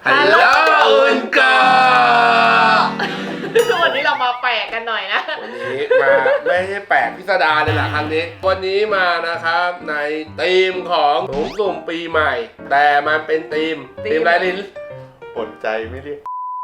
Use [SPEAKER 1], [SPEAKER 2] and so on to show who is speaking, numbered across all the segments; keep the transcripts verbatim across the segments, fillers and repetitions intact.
[SPEAKER 1] ฮัลโหลอุนเกอร์
[SPEAKER 2] วันนี้เรามาแปลกกันหน่อยนะ
[SPEAKER 1] วันนี้มาไม่ใช่แปลกพิสดารเลยแหละครั้งนี้วันนี้มานะครับในธีมของถุงสุ่มปีใหม่ แต่มันเป็นธีมธีมอะไรลิน
[SPEAKER 3] อดใจไม่เรียก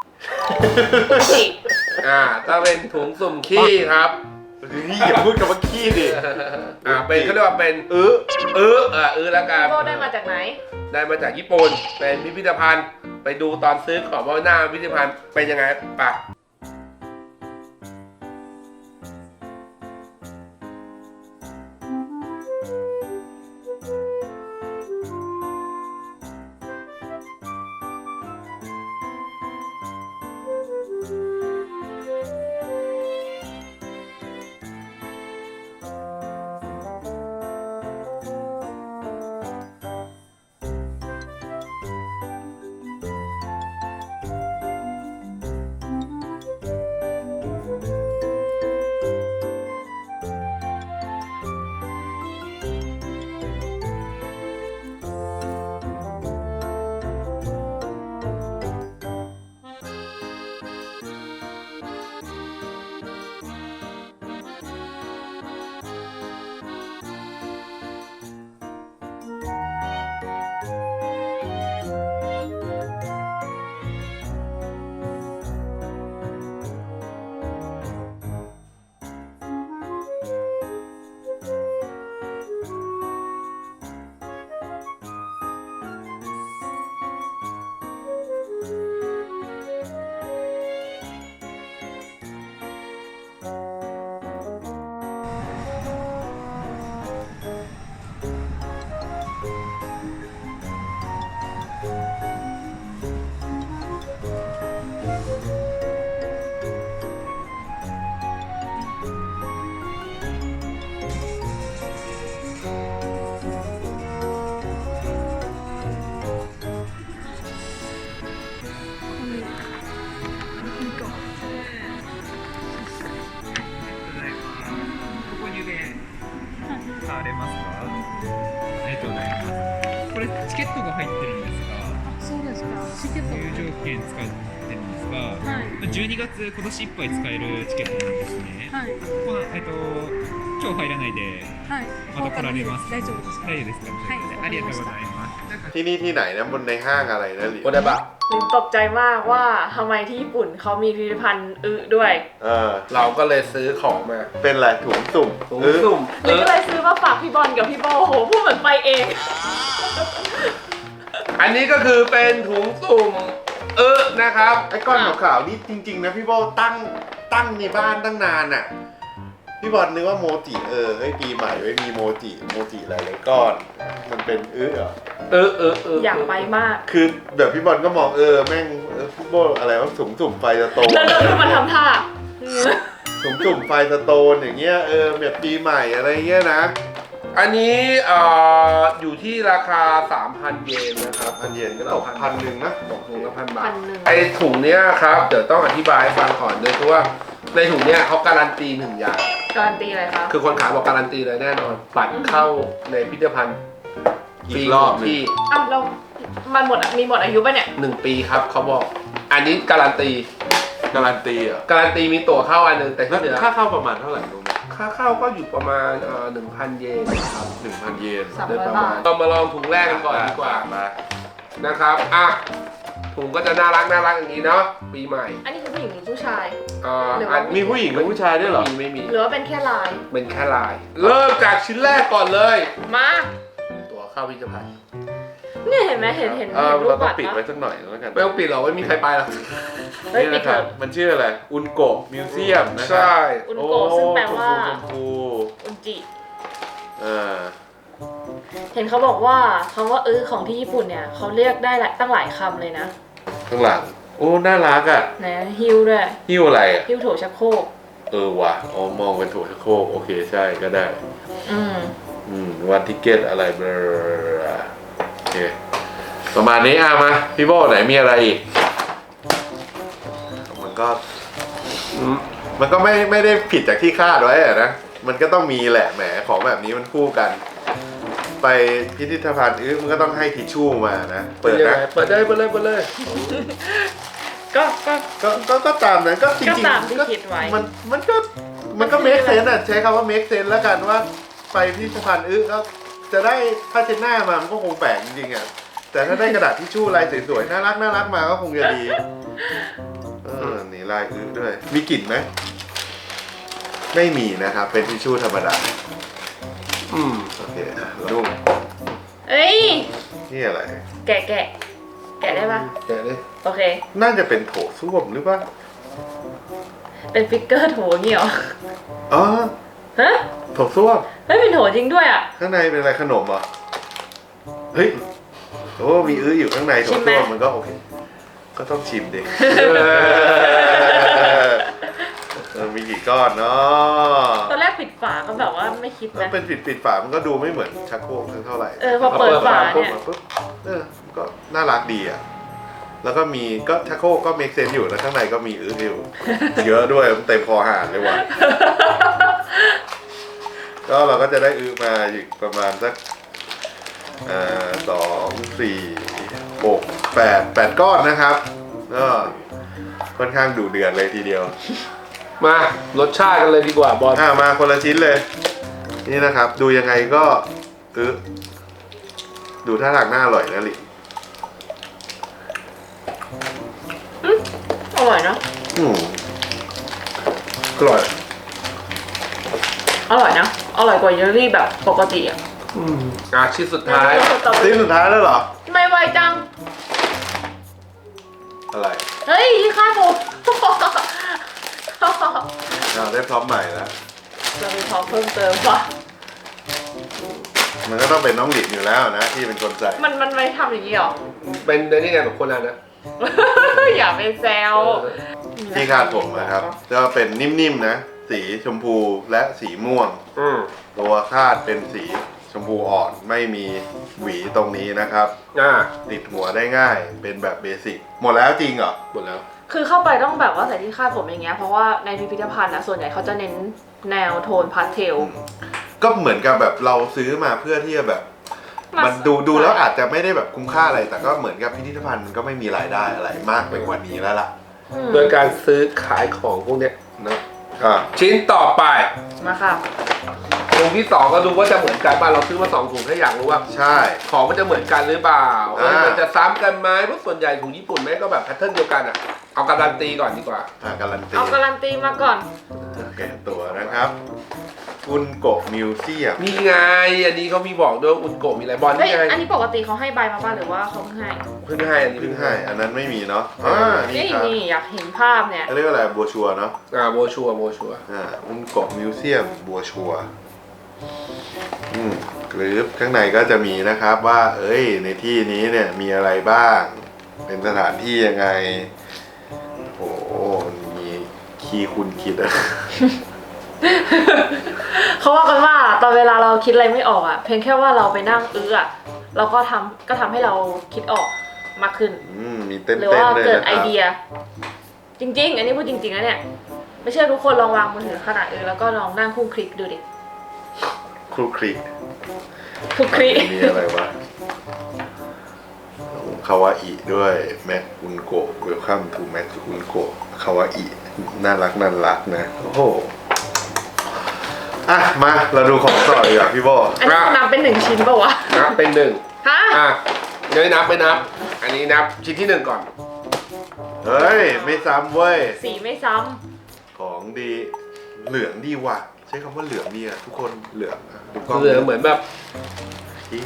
[SPEAKER 1] อ่าก็เป็นถุงสุ่มขี้ครับ
[SPEAKER 3] นี่อย่าพูดคำว่าขี้ดิ
[SPEAKER 1] อ่าเป็นเขาเรียกว่าเป็นเออเอออ่าเออแล้วกัน
[SPEAKER 2] โบได้มาจากไหน
[SPEAKER 1] ได้มาจากญี่ปุ่นเป็นพิพิธภัณฑ์ไปดูตอนซื้อของว่าหน้าพิพิธภัณฑ์เป็นยังไงปะ
[SPEAKER 4] チケットが入ってるんですが、
[SPEAKER 2] そうですか。チケット
[SPEAKER 4] 入場券使ってるんですが、はい、じゅうにがつ今年いっぱい使えるチケットなんですね。はい。このえっと今日入らないで、はい、また来られます。大丈夫ですか？大丈夫ですか？はい。ありがとうございます。
[SPEAKER 3] ที่นี่ที่ไหนนะบนในห้างอะไรนะลิน
[SPEAKER 1] โอเดบะ
[SPEAKER 2] ลินตกใจมากว่าทำไมที่ญี่ปุ่นเขามีพิพิธภัณฑ์อึด้วย
[SPEAKER 3] เออ
[SPEAKER 1] เราก็เลยซื้อของมา
[SPEAKER 3] เป็นอะไรถุงสุ่ม
[SPEAKER 1] ถุงสุ่ม
[SPEAKER 2] ลินก็เลยซื้อมาฝากพี่บอลกับพี่โบโหพูดเหมือนไปเอง
[SPEAKER 1] อันนี้ก็คือเป็นถุงสุ่มเออนะครับ
[SPEAKER 3] ไอ้ก้อนขาวๆนี่จริงๆนะพี่โบตั้งตั้งในบ้านตั้งนานอ่ะพี่บอลนึกว่าโมจิเออเฮ้ยปีใหม่ไว้มีโมจิโมจิหลายๆก้อนมันเป็นเออเหรอ
[SPEAKER 1] เออเออเออ
[SPEAKER 2] อยากไปมาก
[SPEAKER 3] คือแบบพี่บอลก็มองเออแม่งพี่โบอะไรว่าสุ่มสุ่มไฟสโตน
[SPEAKER 2] แล้วแล้วมันทำท่า
[SPEAKER 3] สุ่มสุ่มไฟสโตนอย่างเงี้ยเออแบบปีใหม่อะไรเงี้ยนะ
[SPEAKER 1] อันนี้อ่าอยู่ที่ราคา สามพัน เยนนะครับ
[SPEAKER 3] พันเยนก็ตกพันหนึ่งนะ
[SPEAKER 1] ตกถุงละพันบาทไอถุงเนี้ยครับเดี๋ยวต้องอธิบายให้ฟังก่อนเลยคือว่าในถุงเนี้ยเขาการันตีหนึ่งอย่าง
[SPEAKER 2] การันตีอะไรครับ
[SPEAKER 1] คือคนขายบอกการันตีเลยแน่นอนบัตรเข้าในพิพิธภัณฑ์
[SPEAKER 3] อีกรอบที่
[SPEAKER 2] อ้าวเรามันหมดมีหมดอายุป่ะเนี่ย
[SPEAKER 1] หนึ่งปีครับเขาบอกอันนี้การันตี
[SPEAKER 3] การันตีอ่ะ
[SPEAKER 1] การันตีมีตั๋วเข้าอันหนึ่งแต่ที่เหลือ
[SPEAKER 3] ค่าเข้าประมาณเท่าไหร่รู้ไหม
[SPEAKER 1] ค่าเข้าก็อยู่ประมาณเอ่อหนึ่งพันเยนครับ
[SPEAKER 3] หนึ่งพันเยน
[SPEAKER 2] โดยประมาณ
[SPEAKER 1] เรามาลองถุงแรกกันก่อนดีกว่ามานะครับอ่ะถุงก็จะน่ารักน่ารักอย่างนี้เนาะปีใหม่
[SPEAKER 2] อันนี้คือผู้หญิงหรือผู้ชาย
[SPEAKER 1] อ่า
[SPEAKER 3] มีผู้หญิงกับผู้ชายด้วยเหรอ
[SPEAKER 1] ไม่มี
[SPEAKER 2] หรือว่าเป็นแค่ลาย
[SPEAKER 1] เป็นแค่ลายเริ่มจากชิ้นแรกก่อนเลย
[SPEAKER 2] มา
[SPEAKER 1] ตั๋วเข้าพิพิธภัณฑ์
[SPEAKER 2] เนี่ยเห็นไหมเห็นเห็น
[SPEAKER 3] เห็นรูปบัตรนะเราต้องปิดไว้สักหน่อยแล้วกัน
[SPEAKER 1] ไม่ต้องปิดหรอกไม่มีใครไปหรอก
[SPEAKER 2] นี่
[SPEAKER 3] นะครับมันชื่ออะไรอุนโกะมิวเซียมนะครับ
[SPEAKER 1] ใช่
[SPEAKER 2] อุนโกะซึ่งแปลว่า
[SPEAKER 3] อุ
[SPEAKER 2] นจิ
[SPEAKER 3] อ่า
[SPEAKER 2] เห็นเขาบอกว่าคำว่าเออของที่ญี่ปุ่นเนี่ยเขาเรียกได้ตั้งหลายคำเลยนะ
[SPEAKER 3] ข้างหลังโอ้น่ารักอ่ะ
[SPEAKER 2] ไหนฮิวด้วย
[SPEAKER 3] ฮิวอะไรอ่ะ
[SPEAKER 2] ฮิวโถชักโครก
[SPEAKER 3] เออว่ะอ๋อมองเป็นโถชักโครกโอเคใช่ก็ได้
[SPEAKER 2] อืม
[SPEAKER 3] อืมวันทิเก็ตอะไรเบอร์โอเคประมาณนี้อ่ะมาพี่โบไหนมีอะไรอีกมันก็มันก็ไม่ไม่ได้ผิดจากที่คาดไว้อะนะมันก็ต้องมีแหละแหมของแบบนี้มันคู่กันไปพิพิธภัณฑ์อื้อมันก็ต้องให้ทิชชู่มานะ
[SPEAKER 1] เปิ
[SPEAKER 3] เปิ
[SPEAKER 1] ด
[SPEAKER 3] ด
[SPEAKER 1] ยัง
[SPEAKER 3] นะ
[SPEAKER 1] ไงเปิดได้เปิดเลยเปิดเลย
[SPEAKER 2] ก็ก็
[SPEAKER 3] ก็ก็ก็ตามนั้นก็จริง
[SPEAKER 2] ก็
[SPEAKER 3] ๆ
[SPEAKER 2] ตามที่คิดไว้
[SPEAKER 3] มันมันก็มันก็
[SPEAKER 2] มัน
[SPEAKER 3] เม
[SPEAKER 2] คือ
[SPEAKER 3] คเซนอ่ะใช้คำว่าเมคเซนแล้วกันว่าไปพิพิธภัณฑ์อื้อก็จะได้ผ้าเช็ดหน้ามามันก็คงแปลกจริงๆอ่ะแต่ถ้าได้กระดาษทิชชู่ลายสวยๆน่ารักน่ารักมาก็คงจะดีเออนี่ลายอื้อด้วยมีกลิ่นไหมไม่มีนะครับเป็นทิชชู่ธรรมดา
[SPEAKER 1] อืม
[SPEAKER 3] โอเคอ่ะดุ้ง
[SPEAKER 2] เอ้ย
[SPEAKER 3] นี่อะไร
[SPEAKER 2] แกะแกะแกะได้ปะ
[SPEAKER 1] แกะเลย
[SPEAKER 2] โอเค
[SPEAKER 3] น่าจะเป็นโถส้วมหรือเปล่า
[SPEAKER 2] เป็นฟิกเกอร์โถอย่างงี้เหรอ
[SPEAKER 3] อ๋อ
[SPEAKER 2] ฮะ
[SPEAKER 3] โถส้วม
[SPEAKER 2] เฮ้ยเป็นโถจริงด้วยอ่ะ
[SPEAKER 3] ข้างในเป็นอะไรขนมเหรอเฮ้ยโอ้มีอื้ออยู่ข้างในโถ
[SPEAKER 2] ชิมไหม
[SPEAKER 3] ส้วมมันก็โอเคก็ต้องชิมดิ เออมีกี่ก้อนเนาะ
[SPEAKER 2] ตอนแรกปิดฝาก็แบบว่าไม่คิด
[SPEAKER 3] ถ้า
[SPEAKER 2] นะ
[SPEAKER 3] เป็นปิดปิดฝามันก็ดูไม่เหมือนชักโครกเท่าไหร่
[SPEAKER 2] เออพอเปิดฝาเนี่ย
[SPEAKER 3] มาปุ๊บเออก็น่ารักดีอ่ะแล้วก็มีก็ชักโครกก็เมคเซนอยู่แล้วข้างในก็มีอื้ออยู่ เยอะด้วยมันเต็มคอหานเลยว่ะ ก็เราก็จะได้อื้อมาอยู่ประมาณสักอ่าสองสี่หกแปดแปดก้อนนะครับก็ค่อนข้างดุเดือดเลยทีเดียว
[SPEAKER 1] มารสชาติกันเลยดีกว่าบอล
[SPEAKER 3] อ่ามาคนละชิ้นเลย นี่นะครับ ดูยังไงก็อื้อดูท่าทางน่าอร่อยนะลิ
[SPEAKER 2] อร่อยเนาะ
[SPEAKER 3] อืมอร่อย
[SPEAKER 2] อร่อยนะอร่อยกว่าเยลลี่แบบปกติอ่ะ
[SPEAKER 1] อืมอ่ะชิ้นสุดท้าย
[SPEAKER 3] ชิ้นสุดท้ายแล้วเหรอ
[SPEAKER 2] ไม่ไวจัง
[SPEAKER 3] อะไร
[SPEAKER 2] เฮ้ยที่ข้าวหมู
[SPEAKER 3] อ่าได้พร้อมใหม่แล้ว
[SPEAKER 2] เรามีของเพิ่มเติมว่ะ
[SPEAKER 3] มันก็ต้องเป็นน้องหลินอยู่แล้วนะที่เป็นคนใส่
[SPEAKER 2] มันมันไม่ทำอย่างนี้หรอ
[SPEAKER 1] เป็นในนี่ไงแบบคนนั้นนะ
[SPEAKER 2] อย่าไปแซว
[SPEAKER 3] ที่คาดผมนะครับก็เป็นนิ่มๆนะ สีชมพูและสีม่วง
[SPEAKER 1] อืม
[SPEAKER 3] ตัวคาดเป็นสีชมพูอ่อนไม่มีหวีตรงนี้นะครับ
[SPEAKER 1] อ่า
[SPEAKER 3] ติดหัวได้ง่ายเป็นแบบเบสิกหมดแล้วจริงเหรอ
[SPEAKER 1] หมดแล้ว
[SPEAKER 2] คือเข้าไปต้องแบบว่าใส่ที่คาดผมอย่างเงี้ยเพราะว่าในพิพิธภัณฑ์นะส่วนใหญ่เขาจะเน้นแนวโทนพาสเทล
[SPEAKER 3] ก็เหมือนกับแบบเราซื้อมาเพื่อที่จะแบบ มันดูดูแล้วอาจจะไม่ได้แบบคุ้มค่าอะไร แต่ก็เหมือนกับพิพิธภัณฑ์มันก็ไม่มีรายได้อะไรมากไปกว่านี้แล้วล่ะ
[SPEAKER 2] อืม
[SPEAKER 1] โดยการซื้อขายของพวกเนี้ยนะ
[SPEAKER 3] อ่า
[SPEAKER 1] ชิ้นต่อไป
[SPEAKER 2] มาค่ะ
[SPEAKER 1] ถุงที่สองก็ดูว่าจะเหมือนกันป่ะเราซื้อมาสองถุงถ้าอยากรู้ว่า
[SPEAKER 3] ใช่
[SPEAKER 1] ของมันจะเหมือนกันหรือเปล่า
[SPEAKER 3] อ่า
[SPEAKER 1] มันจะซ้ำกันไหมเพราะส่วนใหญ่ถุงญี่ปุ่นแม่งก็แบบแพทเทิร์นเดียวกันอ่ะเอาการันตีก่อนดีกว่า
[SPEAKER 3] อ่าการันตี
[SPEAKER 2] เอาการันตีมาก่อน
[SPEAKER 3] แกะตัวนะครับอุนโกะมิวเซียม
[SPEAKER 1] นี่ไงอันนี้เขามีบอกด้วยว่าอุนโกะมีอะไรบอล
[SPEAKER 2] เฮ้ย
[SPEAKER 1] นี่ไง
[SPEAKER 2] อันนี้ปกติเขาให้ใบมาบ้างหรือว่าเขาเพิ่งให้
[SPEAKER 1] เพิ่งให้อันนี้
[SPEAKER 3] เพิ่
[SPEAKER 1] เพิ่
[SPEAKER 3] ง
[SPEAKER 1] ง
[SPEAKER 3] ให้
[SPEAKER 1] ให้
[SPEAKER 3] อันนั้นไม่มีเนาะอ่านี่
[SPEAKER 2] นี่
[SPEAKER 3] ครับ
[SPEAKER 2] นี่อยากเห็นภาพเนี่ย
[SPEAKER 3] เขาเรียกว่าอะไรบัวชัวเนาะ
[SPEAKER 1] อ่าโบชัวโบชัว
[SPEAKER 3] อ่าอุนโกะมิวเซียมบัวชัวอืมหรือข้างในก็จะมีนะครับว่า เอ้ยในที่นี้เนี่ยมีอะไรบ้าง เป็นสถานที่ยังไงโอ้โหมีคีย์คุณคิดอะ
[SPEAKER 2] เขาว่ากันว่าตอนเวลาเราคิดอะไรไม่ออกอ่ะ เพียงแค่ว่าเราไปนั่งอื้ออ่ะเราก็ทำก็ทำให้เราคิดออกมากขึ้น
[SPEAKER 3] อืมมีเต้น
[SPEAKER 2] หรือ
[SPEAKER 3] เต้น
[SPEAKER 2] ว่า
[SPEAKER 3] เลย
[SPEAKER 2] เกิด
[SPEAKER 3] นะค
[SPEAKER 2] ไอ
[SPEAKER 3] รับ
[SPEAKER 2] เดีย จริง ๆ อันนี้พูดจริงๆนะเนี่ย ไม่เชื่อทุกคนลองวางมือถือขนาดอื่นแล้วก็ลองนั่งคู่คลิกดูดิ
[SPEAKER 3] ครูคลิก
[SPEAKER 2] คู่คลิก
[SPEAKER 3] มีอะไรวะคาวาอิด้วยแม็กอุนโกะเวลคัมทูแม็กอุนโกะคาวาอิน่ารักน่ารักนะโอ้โหอ่ะมาเราดูของต่อดีกว่าพี่โบ
[SPEAKER 2] อันนี้นับเป็นหนึ่งชิ้นป่าวะ
[SPEAKER 1] นับเป็นหนึ่ง
[SPEAKER 2] ฮะ
[SPEAKER 1] อ่ะเดี๋ยวนับไปนับ อันนี้นับชิ้นที่หนึ่งก่อน
[SPEAKER 3] เฮ้ยไม่ซ้ำเว้ย
[SPEAKER 2] สีไม่ซ้
[SPEAKER 3] ของดีเหลืองดีว่ะใช้คำว่าเหลืองดีอะทุกคนเหลืองอะดูกล้อง
[SPEAKER 1] เหลือเหมือนแบบ
[SPEAKER 3] ที่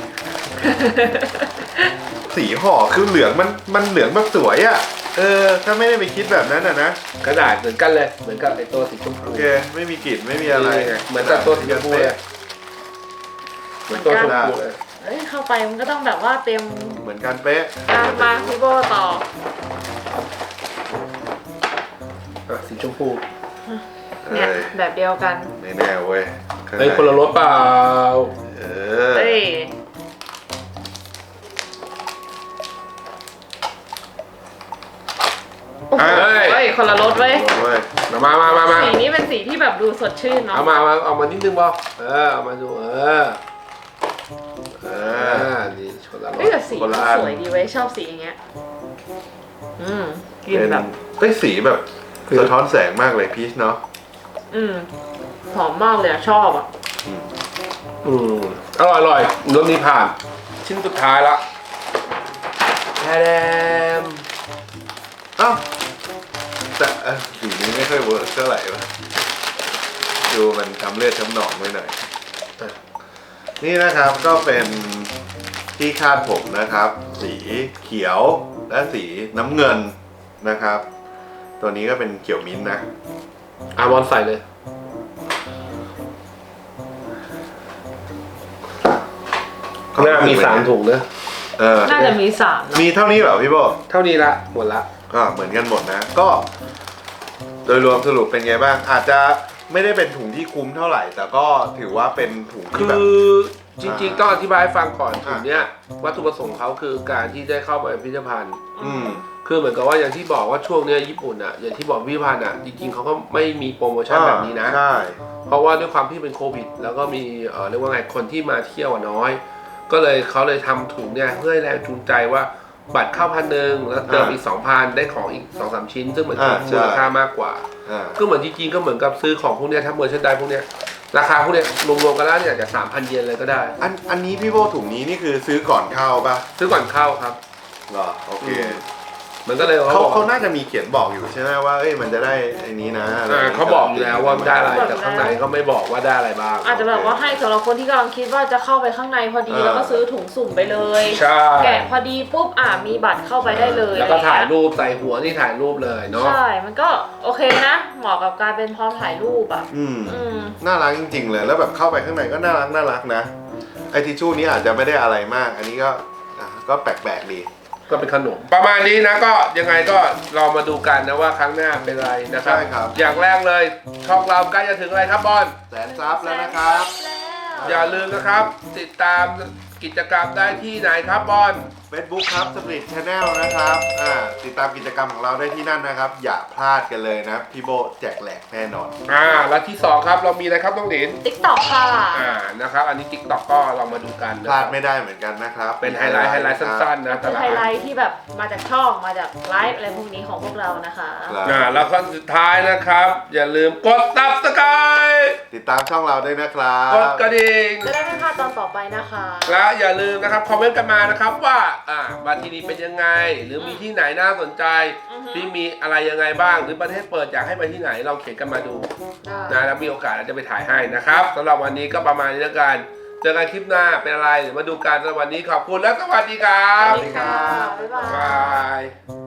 [SPEAKER 3] สีห่อคือเหลืองมันมันเหลืองแบบสวยอะเออถ้าไม่ได้ไปคิดแบบนั้นอะนะ
[SPEAKER 1] กระดาษเหมือนกันเลย เหมือนกับไอตัวสีชมพู
[SPEAKER 3] โอเคไม่มีกลิ่นไม่มีอะไร
[SPEAKER 1] นี่ไงเหมือนกับตัวสีชมพูเลยเหมือนตัวชมพูเลย
[SPEAKER 2] ำเอ้ยเข้าไปมันก็ต้องแบบว่าเตรียม
[SPEAKER 3] เหมือนกันเป๊ะ
[SPEAKER 2] อ่ะมาพี่โบต่อ
[SPEAKER 1] อ่ะสีชมพู
[SPEAKER 2] เนี่ย
[SPEAKER 3] เอ้ย
[SPEAKER 2] แบบเดียวกัน
[SPEAKER 3] ไม่แน่เว้ยข้าง
[SPEAKER 1] เฮ้ย
[SPEAKER 3] ใน
[SPEAKER 1] คนละรสเปล่า
[SPEAKER 3] เออ
[SPEAKER 2] เฮ้ย โอ้โห
[SPEAKER 1] เฮ้ย
[SPEAKER 2] เฮ้ยคนละรสเว้ย
[SPEAKER 3] เว้ย
[SPEAKER 1] มามามามา
[SPEAKER 2] สีนี้เป็นสีที่แบบดูสดชื่นเนาะ
[SPEAKER 1] เอามาเอามาเอามานิดนึงบอเออเอามาดูเออานี่ชนละร
[SPEAKER 2] เฮ้ย
[SPEAKER 1] ส
[SPEAKER 2] แต่สี
[SPEAKER 3] คน
[SPEAKER 2] มัน
[SPEAKER 3] ละอัน
[SPEAKER 2] สวยดีเว้ยชอบสีอย่างเงี้ยอืมกิน
[SPEAKER 3] เป็น
[SPEAKER 2] แบบ
[SPEAKER 3] เอ้ยสีแบบสะท้อนแสงมากเลยพีชเนาะ
[SPEAKER 2] อืมหอมมากเลยอะชอบอ่ะ
[SPEAKER 1] อืมอร่อยอร่อยรสนี้ผ่าน ชิ้นสุดท้ายละแทม
[SPEAKER 3] อ้าวแต่เอ้ยสีนี้ไม่ค่อยเวิร์กเท่าไหร่วะดูมันทำเลือดช้ำหนองไว้หน่อยอ่ะนี่นะครับก็เป็นที่คาดผมนะครับ สีเขียวและสีน้ำเงินนะครับ ตัวนี้ก็เป็นเขียวมิ้นท์นะ
[SPEAKER 1] อามอนใส่เลย หน้ามีสามถุงนะ
[SPEAKER 3] เออ
[SPEAKER 2] น่าจะมีสามนะ
[SPEAKER 3] มีเท่านี้เหรอพี่โบ
[SPEAKER 1] เท่านี้ละหมดละ
[SPEAKER 3] อ่าเหมือนกันหมดนะ ก็ โดยรวมสรุปเป็นไงบ้าง อาจจะไม่ได้เป็นถุงที่คุ้มเท่าไหร่ แต่ก็ถือว่าเป็นถุง
[SPEAKER 1] คื
[SPEAKER 3] ที่แบบ
[SPEAKER 1] อจริงๆต้องอธิบายให้ฟังก่อน
[SPEAKER 3] อ่า
[SPEAKER 1] ถุงเนี้ยวัตถุประสงค์เขาคือการที่ได้เข้าไปพิพิธภัณฑ์
[SPEAKER 3] อืม
[SPEAKER 1] คือเหมือนกับว่าอย่างที่บอกว่าช่วงเนี้ยญี่ปุ่นอ่ะอย่างที่บอกพิพิธภัณฑ์อ่ะจริงๆเขาก็ไม่มีโปรโมชั่นแบบนี้นะ
[SPEAKER 3] ใช่
[SPEAKER 1] เพราะว่าด้วยความที่เป็นโควิด แล้วก็มีเอ่อเรียกว่าไงคนที่มาเที่ยวอะน้อย ก็เลยเขาเลยทำถุงเนี่ยเพื่อให้แรงจูงใจว่าบัตรเข้าพันหนึ่งแล้วเติมอีกสองพันได้ของอีกสองสามชิ้น ซึ่งเหมือนกับมูลค่ามากกว่า
[SPEAKER 3] อ่า
[SPEAKER 1] ก็เหมือนจริงๆก็เหมือนกับซื้อของพวกเนี้ยถ้าเมอร์เชนไดพวกเนี้ยราคาพวกเนี้ยรวมๆกันแล้วเนี่ยจะสามพันเยนเลยก็ได้
[SPEAKER 3] อันอันนี้พี่โบถุงนี้นี่คือซื้อก่อนเข้าป่ะ
[SPEAKER 1] ซื้อก่อนเข้าครับ
[SPEAKER 3] เหรอโอเค
[SPEAKER 1] มันก็เลย
[SPEAKER 3] เขา
[SPEAKER 1] เขาบอก
[SPEAKER 3] เขาน่าจะมีเขียนบอกอยู่ใช่ไหมว่าเอ้ยมันจะได้ไอ้นี้นะะไร
[SPEAKER 1] อ่าเขาบอกอยู่แล้วว่าได้อะไรแต่ข้างในก็ไม่บอกว่าได้อะไรบ้าง
[SPEAKER 2] อาจจะแบบว่าให้สำหรับคนที่กำลังคิดว่าจะเข้าไปข้างในพอดีแล้วก็ซื้อถุงสุ่มไปเลย
[SPEAKER 1] ใช่
[SPEAKER 2] แกะพอดีปุ๊บอ่ามีบัตรเข้าไปได้เลย
[SPEAKER 1] แล้วก็ถ่าย
[SPEAKER 2] อะไรเงี้
[SPEAKER 1] รูปใส่หัวนี่ถ่ายรูปเลยเนาะ
[SPEAKER 2] ใช่ มันก็โอเคนะ เหมาะกับการเป็นพร้อมถ่ายรูปอ่ะ
[SPEAKER 3] อืม
[SPEAKER 2] อืม
[SPEAKER 3] น่ารักจริงๆเลยแล้วแบบเข้าไปข้างในก็น่ารักน่ารักนะไอทิชชู่นี้อาจจะไม่ได้อะไรมาก อันนี้ก็อ่ะก็แปลกๆดี
[SPEAKER 1] ก็เป็นขนมประมาณนี้นะก็ยังไงก็เรามาดูกันนะว่าครั้งหน้าเป็นอะไรนะครับ
[SPEAKER 3] ใช่ครับ
[SPEAKER 1] อย่างแรกเลยช่องเราใกล้จะถึงอะไรครับบอล
[SPEAKER 3] แสนซับแล้วนะครับ
[SPEAKER 1] อย่าลืมนะครับ ติดตามกิจกรรมได้ที่ไหนครับบอล
[SPEAKER 3] Facebook ครับ Split Channel นะครับอ่าติดตามกิจกรรมของเราได้ที่นั่นนะครับ อย่าพลาดกันเลยนะ พี่โบแจกแหลกแน่นอน
[SPEAKER 1] อ่าแล้วที่สองครับเรามีอะไรครับน้องหลิน
[SPEAKER 2] ติ๊กต็อกค่ะ
[SPEAKER 1] อ่านะครับอันนี้ TikTok ก็ลองมาดูกัน
[SPEAKER 3] พ
[SPEAKER 1] นะ
[SPEAKER 3] ลา
[SPEAKER 1] ค
[SPEAKER 3] ด
[SPEAKER 1] รับ
[SPEAKER 3] ไม่ได้เหมือนกันนะครับ
[SPEAKER 1] เป็นไฮไลท์ไฮไลท์สั้นๆนะแต่
[SPEAKER 2] คือ
[SPEAKER 1] ละ
[SPEAKER 2] ไฮ
[SPEAKER 1] อัน
[SPEAKER 2] ไลท์ที่แบบมาจากช่อง มาจากไลฟ์อะไรพวกนี้ของพวกเรานะคะ
[SPEAKER 3] ครับ
[SPEAKER 1] อ่าแล้วก็สุดท้ายนะครับ อย่าลืมกด Subscribe
[SPEAKER 3] ติดตามช่องเราด้วยนะครับ
[SPEAKER 1] กดกระดิ่ง
[SPEAKER 2] จะได้ไม่พลาดตอนต่อไปนะคะ
[SPEAKER 1] และอย่าลืมนะครับคอมเมนต์กันมานะครับว่าอ่ามาที่นี่เป็นยังไง หรือมีที่ไหนน่าสนใจ
[SPEAKER 2] อือฮึ
[SPEAKER 1] ที่มีอะไรยังไงบ้าง หรือประเทศเปิดอยากให้ไปที่ไหนเราเขียนกันมาดู
[SPEAKER 2] ได้
[SPEAKER 1] นะแล้วมีโอกาสเราจะไปถ่ายให้นะครับสำหรับวันนี้ก็ประมาณนี้แล้วกันเจอกันคลิปหน้าเป็นอะไรเดี๋ยวมาดูกันสำหรับวันนี้ขอบคุณและสวัสดีครั
[SPEAKER 2] ส
[SPEAKER 1] บ
[SPEAKER 2] วัสดีค่ะ บ๊ายบา
[SPEAKER 1] บาย ย